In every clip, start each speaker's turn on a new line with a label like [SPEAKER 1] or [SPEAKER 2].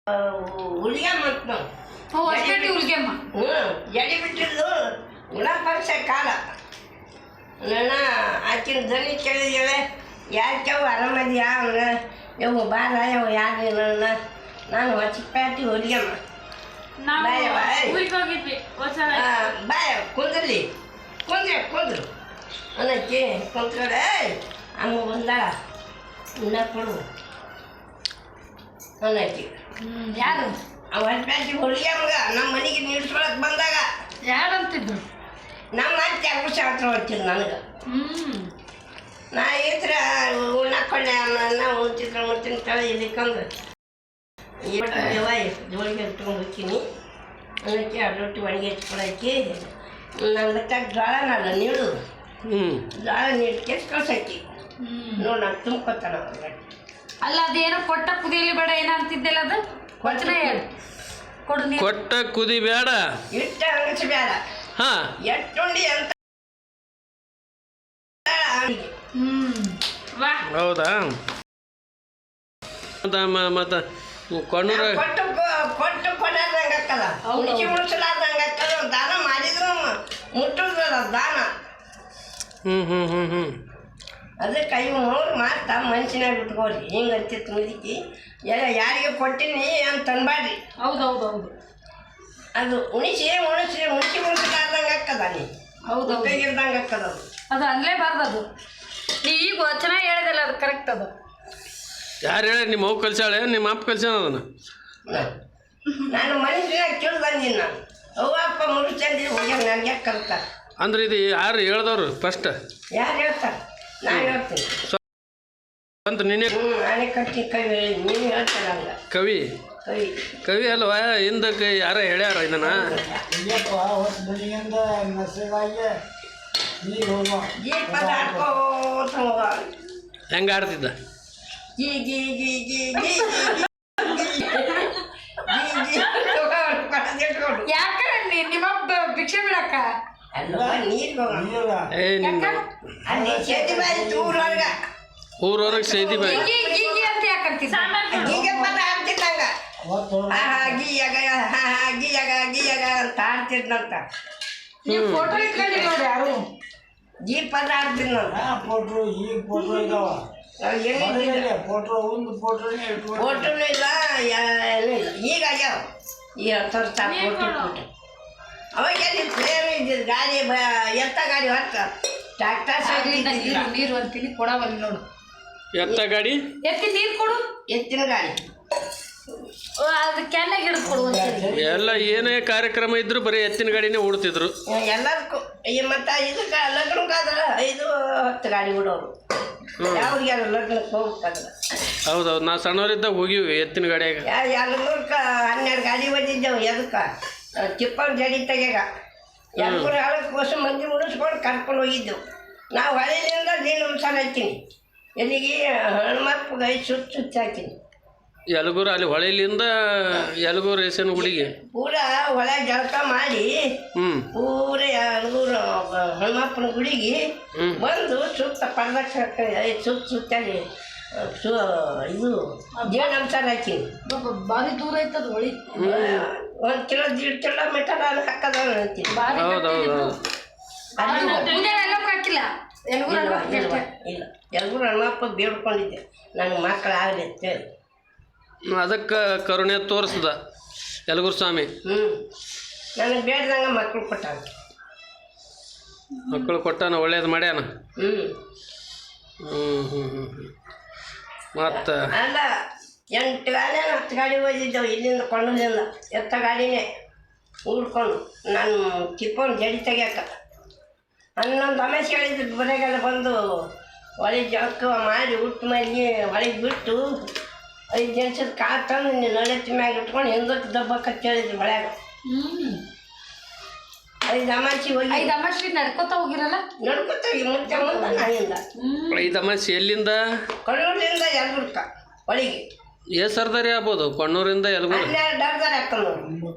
[SPEAKER 1] ಹುಲಿಗೆಮ್ಮ ಅಂತ ನಾವು
[SPEAKER 2] ಹೊಸಪೇಟೆ ಹುಲಿಗೆಮ್ಮ.
[SPEAKER 1] ಎಡಿ ಬಿಟ್ಟಿದ್ದು ಗುಣಪಕ್ಷ ಕಾಲ ನನ್ನ ಆಕಿನ ಧ್ವನಿ ಕೇಳಿದ್ದೇವೆ ಯಾಕೆವು ಆರಾಮದಿಯಾ ಅವನ ಯವು ಬಾರ ಯವು ಯಾರು ನನ್ನ ನಾನು ಹೊಸಪೇಟೆ ಹುಲಿಗೆಮ್ಮ ಬಾಯ ಕುಂದ್ರಲಿ ಕುಂದ್ರು ಅನ್ನಕ್ಕೆ ಕುಂತ್ಕಡೆ ಅಮ್ಮ ಬಂದಾಳ ಇನ್ನ ಕೊಡು ಅನ್ನಕ್ಕೆ
[SPEAKER 2] ಯಾರು
[SPEAKER 1] ಅವ ಹೊಸಪೇಟೆ ಹುಲಿಗೆಮ್ಮಗ ನಮ್ಮ ಮನೆಗೆ ನಿಲ್ಸ್ಕೊಳಕ್ ಬಂದಾಗ
[SPEAKER 2] ಯಾರಂತಿದ್ರು
[SPEAKER 1] ನಮ್ಮ ಅತ್ತೆ ಹುಷ ಹತ್ರ ಹೋಗ್ತಿದ್ದು ನನಗೆ ನಾ ಇದ್ರ ಉಣ್ಣಾಕೊಂಡೆ ಅನ್ನ ಉಣ್ತಿದ್ದ ಕಳೆ ಇಲ್ಲಿಕ್ಕಂದು ಜೋಳಿಗೆ ಇಟ್ಕೊಂಡು ಹೋಗ್ತೀನಿ ಅನ್ನಕ್ಕೆ ಎರಡು ರೊಟ್ಟಿ ಒಣಗಿ ಹಚ್ಕೊಳಕ್ಕೆ ನನ್ನ ಬತ್ತಾಗ ಜೋಳನಲ್ಲ ನೀಡು ಜೋಳ ನೀರು ಕೆಸ್ ಕಳ್ಸಕ್ಕಿ ನೋಡಿ ನಾನು ತುಂಬ್ಕೊತಾನ
[SPEAKER 2] ಅಲ್ಲ ಅದೇನೋ ಕೊಟ್ಟ ಕುದಿಯಲಿ ಬೇಡ ಏನಂತಿದ್ದೆಲ್ಲ ಅದು ವಚನ ಹೇಳು ಕೊಡು ನೀರು
[SPEAKER 3] ಕೊಟ್ಟ ಕುದಿ ಬೇಡ
[SPEAKER 1] ಇಟ್ಟ ಅಂಗಸಿ ಬೇಡ ಎಟ್ಟುಂಡಿ ಅಂತ
[SPEAKER 2] ವಾ
[SPEAKER 3] ಹೌದಾ ಮತ್ತೆ ಕೊಣ್ಣೂರ
[SPEAKER 1] ಕೊಟ್ಟು ಕೊಡಾರ್ದಂಗೆ ಹಾಕಲ್ಲ ಉಣಿಸಿ ಉಣಿಸಲಾರ್ದಂಗೆ ಹಾಕಲ್ಲ ದಾನ ಮಾಡಿದ್ರು ಮುಟ್ಟುದಲ್ಲ ದಾನ ಅದಕ್ಕೆ ಇವು ನೋಡಿ ಮಾತಾ ಮನ್ಸಿನಾಗ ಬಿಟ್ಕೋರಿ ಹಿಂಗೆ ಅಂತಿತ್ತು ಮುದುಕಿ ಎಲ್ಲ ಯಾರಿಗೆ ಕೊಟ್ಟಿನಿ ಅಂತ ಅನ್ಬಾಡ್ರಿ
[SPEAKER 2] ಹೌದೌದೌದು
[SPEAKER 1] ಅದು ಉಣಿಸಿ ಉಣಿಸಲಾರ್ದಂಗೆ ಹಾಕದ ನೀ
[SPEAKER 2] ಹೌದು
[SPEAKER 1] ಕೈಗಿರ್ದಂಗೆ ಹಾಕದ
[SPEAKER 2] ಅದು ಅನ್ಲೇಬಾರ್ದು ಅದು ನೀ ಈಗ ವಚನ ಹೇಳಿದಲ್ಲ ಅದು ಕರೆಕ್ಟ್ ಅದು
[SPEAKER 3] ಯಾರು ಹೇಳಿ ನಿಮ್ಮ ಅವು ಕಲ್ಸಾಳೆ ನಿಮ್ಮ ಅಪ್ಪ ಕಲ್ಸ್ಯಾನ ಅದನ್ನು
[SPEAKER 1] ನಾನು ಮನುಷ್ಯನಾಗ ಕೇಳಿ ಬಂದೀನಿ ನಾನು ಅವ್ವ ಅಪ್ಪ ಮುಗಿಸ್ಕೊಂಡಿ ಹೋಗ್ಯಾರ ನನಗೆ ಕಲ್ತಾರೆ
[SPEAKER 3] ಅಂದ್ರೆ ಇದು ಯಾರು ಹೇಳ್ದವ್ರು ಫಸ್ಟ್
[SPEAKER 1] ಯಾರು ಹೇಳ್ತಾರೆ ನಾನು ಹೇಳ್ತೀನಿ
[SPEAKER 3] ಅಂತ ನೀನೇ
[SPEAKER 1] ನಾನೇ ಕಟ್ಟಿ ಕವಿ ನೀನು ಹೇಳ್ತಾರೆ ಹಂಗೆ
[SPEAKER 3] ಕವಿ
[SPEAKER 1] ಕವಿ
[SPEAKER 3] ಕವಿ ಅಲ್ವಾ ಹಿಂದಕ್ಕೆ ಯಾರ ಹೇಳ್ಯಾರ ಇದನ್ನ
[SPEAKER 1] ಜೀಪದ ಆಡ್ಕೋತ ಹೋಗ
[SPEAKER 3] ಹೆಂಗೆ ಆಡ್ತಿದ್ದ
[SPEAKER 1] ಗೀ ಗೀ ಗೀ ಗೀ ಗೀ
[SPEAKER 2] ಯಾಕೆ ನಿಮ್ಮ ಭಿಕ್ಷೆ ಬಿಡಕ್ಕ
[SPEAKER 3] ಊರೊಳಗೆ ಸೇದಿ ಬಾಯಿ
[SPEAKER 2] ಗೀಗಿ ಅಂತ ಯಾಕಂತಿದ್ದ
[SPEAKER 1] ಅಂತ ಆಡ್ತಿದ್ನಂತ
[SPEAKER 2] ನೀವು ಫೋಟೋ ಇಟ್ಕೊಂಡು ನೋಡಿ ಯಾರು
[SPEAKER 1] ಗೀ ಪದ ಆಡ್ತಿದ್ನಂತ ಫೋಟೋನು ಇಲ್ಲ ಈಗ ಆಗ್ಯಾವ ಈ 10 ವರ್ಷ ಫೋಟೋ ಅವಾಗ ಪ್ರೇಮ ಇದ್ದಿದ್ದು ಗಾಡಿ ಎತ್ತ ಗಾಡಿ ಹೊತ್ತ ಟ್ರ್ಯಾಕ್ಟರ್
[SPEAKER 2] ನೀರು ಅಂತೀನಿ ಕೊಡವಲ್ಲಿ ನೋಡು
[SPEAKER 3] ಎತ್ತ ಗಾಡಿ
[SPEAKER 2] ಎತ್ತಿ ನೀರು ಕೊಡು
[SPEAKER 1] ಎತ್ತಿನ ಗಾಡಿ
[SPEAKER 2] ಅದು ಕ್ಯಾನ್ನಾಗ ಹಿಡಿದು ಕೊಡು
[SPEAKER 3] ಎಲ್ಲ ಏನೇ ಕಾರ್ಯಕ್ರಮ ಇದ್ರು ಬರೀ ಎತ್ತಿನ ಗಾಡಿನೇ ಓಡ್ತಿದ್ರು
[SPEAKER 1] ಎಲ್ಲದಕ್ಕೂ ಮತ್ತು ಇದಕ್ಕೆ ಲಗ್ನಕ್ಕಾದ್ರೆ 5-10 ಗಾಡಿ ಬಿಡೋರು ಯಾವ್ರಿಗೆ ಲಗ್ನಕ್ಕೆ ಹೋಗ್ಬೇಕಾದ್ರೆ
[SPEAKER 3] ಹೌದೌದು ನಾವು ಸಣ್ಣವರಿದ್ದಾಗ ಹೋಗಿವಿ ಎತ್ತಿನ ಗಾಡಿಯಾಗ
[SPEAKER 1] 12 ಗಾಡಿ ಬಂದಿದ್ದೆವು ಎದಕ್ಕೆ ಚಿಪ್ಪನ ಜಡಿ ತೆಗೆಗ 2-3 ವರ್ಷ ಮಂದಿ ಮುಡಿಸ್ಕೊಂಡು ಕರ್ಕೊಂಡು ಹೋಗಿದ್ದೆವು ನಾವು ಹಳೆಯಿಂದ ನೀನು ಮಸಾಲ ಹಾಕ್ತೀನಿ ಎಲ್ಲಿಗೆ ಹನುಮಪ್ಪಗೆ 5 ಸುತ್ತು ಹಾಕಿನಿ
[SPEAKER 3] ಯಲಗೂರು ಅಲ್ಲಿ ಹೊಳೆಲಿಂದ ಯಲಗೂರು ರೇಷನ್ ಗುಡಿಗೆ
[SPEAKER 1] ಪೂರ ಹೊಳೆ ಜಳಕ ಮಾಡಿ ಪೂರ ಯಲಗೂರು ಹನುಮಪ್ಪನ ಗುಡಿಗೆ ಬಂದು ಸುತ್ತ ಪರದಕ್ಷಿಣೆ 5 ಸುತ್ತಾಗಿ ಇದು ಜೇನು ಮಸಾಲ ಹಾಕಿನಿ
[SPEAKER 2] ಭಾರಿ ದೂರ ಐತದ ಹೊಳಿ
[SPEAKER 1] 1 ಕಿಲೋ 1.5 ಕಿಲೋಮೀಟರ್ ಹಾಕದ ಅಂತೀನಿ
[SPEAKER 2] ಹಾಕಿಲ್ಲ
[SPEAKER 1] ಇಲ್ಲ ಯಲಗೂರು ಹನುಮಪ್ಪ ಬೇಡ್ಕೊಂಡಿದ್ದೆ ನನಗೆ ಮಕ್ಕಳಾಗಲಿ ಅಂತೇಳಿ
[SPEAKER 3] ಅದಕ್ಕೆ ಕರುಣೆ ತೋರಿಸ್ದ ಯಲಗೂರು ಸ್ವಾಮಿ
[SPEAKER 1] ನನಗೆ ಬೇಡ್ದಂಗೆ ಮಕ್ಕಳು ಕೊಟ್ಟಾನ ಒಳ್ಳೇದು ಮಾಡ್ಯಾನ ಮತ್ತು ಅಲ್ಲ 8 ಗಾಡಿ 10 ಗಾಡಿ ಹೋಗಿದ್ದೆವು ಇಲ್ಲಿಂದ ಕೊಂಡದಿಂದ ಎತ್ತ ಗಾಡಿನೇ ಉಳ್ಕೊಂಡು ನಾನು ಚಿಪ್ಪನ ಜಡಿ ತೆಗ್ಯಾಕ 11 ಅಮೇಶ್ ಹೇಳಿದ್ರು ಮನೆಗೆಲ್ಲ ಬಂದು ಹೊಳಿಗೆ ಜಳಕ ಮಾಡಿ ಉಟ್ಟು ಮನೆಗೆ ಹೊಳಿಗೆ ಬಿಟ್ಟು 5 ಜನಿಸದ ಕಾಳು ತಂದು ನೀನು ನಳೆತ್ತಿ ಮ್ಯಾಗ ಇಟ್ಕೊಂಡು ಹಿಂದಕ್ಕೆ ದಬ್ಬಕ್ಕೆ ಹೇಳಿದ್ರು ಹೊಳ್ಯಾಗ 5 ಅಮಾಸಿ ಹೋಗಿ
[SPEAKER 2] 5 ಅಮಾಸಿ ನಡ್ಕೊತ ಹೋಗಿರಲ್ಲ
[SPEAKER 1] ನಡ್ಕೊತೀವಿ ಮುಂಚೆ ನಾನಿಂದ
[SPEAKER 3] 5 ಅಮಾಸಿ ಎಲ್ಲಿಂದ
[SPEAKER 1] ಕಣ್ಣೂರಿಂದ ಯಲಬುರ್ಗ ಹೊಳಿಗೆ
[SPEAKER 3] ಸರ್ದಾರಿ ಆಗ್ಬೋದು ಕೊಣ್ಣೂರಿಂದ ಯಲಗೂರು
[SPEAKER 1] 12 ಅರ್ಧಾರಿ ಹಾಕೊಂಡು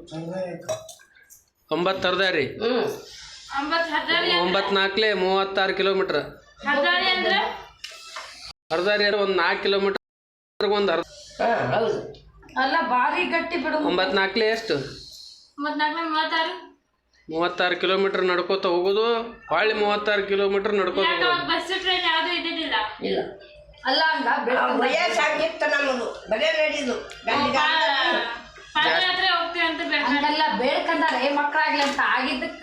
[SPEAKER 3] 9 ಸರ್ದಾರಿ 9 4 36 ಕಿಲೋಮೀಟ್ರ್ ಅರ್ಧಾರಿ ಒಂದು 4 ಕಿಲೋಮೀಟ್ರ್ ಒಂದು ಅರ್ಧ
[SPEAKER 1] ಹೌದು
[SPEAKER 2] ಅಲ್ಲ ಭಾರಿ ಗಟ್ಟಿ ಬಿಡು.
[SPEAKER 3] 94 ಎಷ್ಟು
[SPEAKER 2] 34
[SPEAKER 3] 36 ಕಿಲೋಮೀಟರ್ ನಡ್ಕೋತ ಹೋಗೋದು, ಹೊಳ್ಳಿ 36 ಕಿಲೋಮೀಟರ್ ನಡ್ಕೋತ ಹೋಗೋದು.
[SPEAKER 2] ಬಸ್ ಟ್ರೈನ್ ಯಾವುದು ಇದ್ದಿದ್ದಿಲ್ಲ.
[SPEAKER 1] ಇಲ್ಲ
[SPEAKER 2] ಅಲ್ಲ ಹಂಗ
[SPEAKER 1] ವಯಸ್ಸಾಗಿತ್ತು ನಮ್ಮದು, ಬರೇ ನಡೆಯುದು
[SPEAKER 2] ಪಾದಯಾತ್ರೆ ಹೋಗ್ತೀವಿ ಅಂತ ಹಂಗೆಲ್ಲ ಬೇಡ್ಕಂದಾರೆ ಮಕ್ಕಳಾಗ್ಲಿ ಅಂತ ಆಗಿದ್ದಕ್ಕ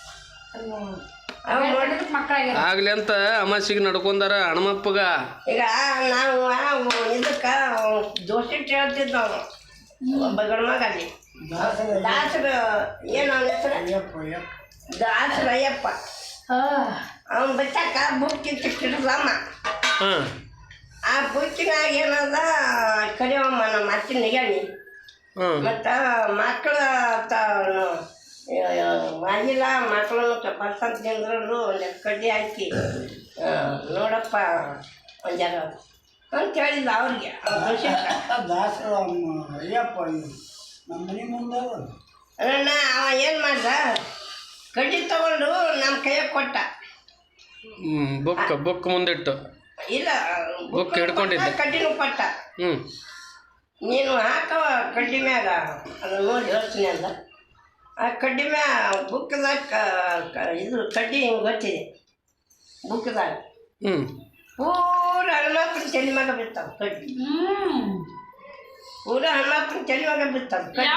[SPEAKER 3] ಆಗ್ಲಿ ಅಂತ ಅಮಾಸಿಗೆ ನಡ್ಕೊಂಡಾರ ಹಣಮಪ್ಪಗ.
[SPEAKER 1] ಈಗ ನಾವು ಇದಕ್ಕ ದೋಸ್ತಿಟ್ಟು ಹೇಳ್ತಿದ್ದ ಒಬ್ಬ ಗಂಡ್ಮಗ ಅಲ್ಲಿ ದಾಸರ ಏನು ಅವನ ಹೆಸರು ದಾಸರ ಅಯ್ಯಪ್ಪ. ಅವನು ಬಚ್ಚಾಕ ಬುಕ್ಕಿ ಚಿಟ್ಟಿಡ್ದಮ್ಮ. ಆ ಬುಕ್ಕಿನಾಗ ಏನದ ಕರಿಯಮ್ಮ ನಮ್ಮ ಅತ್ತಿನ ನಿಗಣಿ ಮತ್ತು ಮಕ್ಕಳ ಆಗಿಲ್ಲ ಮಕ್ಕಳನ್ನು ಪರ್ಸಂತ ತಿಂದ್ರು ಒಂದು ಕಡ್ಡಿ ಹಾಕಿ ನೋಡಪ್ಪ ಒಂದು ಜಾಗ ಅಂತ ಹೇಳಿದ್ದ ಅವ್ರಿಗೆ
[SPEAKER 4] ದಾಸರ ಅಯ್ಯಪ್ಪ ನಮ್ಮ ಮನೆ ಮುಂದೆ
[SPEAKER 1] ಅವ ಏನು ಮಾಡ್ದ, ಕಡ್ಡಿ ತಗೊಂಡು ನಮ್ಮ ಕೈಯಾಗ ಕೊಟ್ಟ.
[SPEAKER 3] ಬುಕ್ ಮುಂದಿಟ್ಟು
[SPEAKER 1] ಇಲ್ಲ
[SPEAKER 3] ಬುಕ್ ಹಿಡ್ಕೊಂಡಿದ್ದ,
[SPEAKER 1] ಕಡ್ಡಿನೂ ಕೊಟ್ಟ. ನೀನು ಹಾಕವ ಕಡ್ಡಿ ಮ್ಯಾಗ ಅದನ್ನು ನೋಡಿ ಹೇಳ್ತೀನಿ ಅಂದ. ಆ ಕಡ್ಡಿ ಮ್ಯಾಗ ಬುಕ್ದಾಗ ಇದು ಕಡ್ಡಿ ಹಿಂಗೆ ಗೊತ್ತಿದೆ ಬುಕ್ದಾಗ ಪೂರ ಹನುಮಪ್ಪನ ತಲೆ ಮ್ಯಾಗ ಬಿತ್ತಾವ ಕಡ್ಡಿ. ಪೂರ ಹನುಮಪ್ಪನ ತಲೆ ಮ್ಯಾಗ ಬಿತ್ತಾವ ಕಡ್ಡಿ.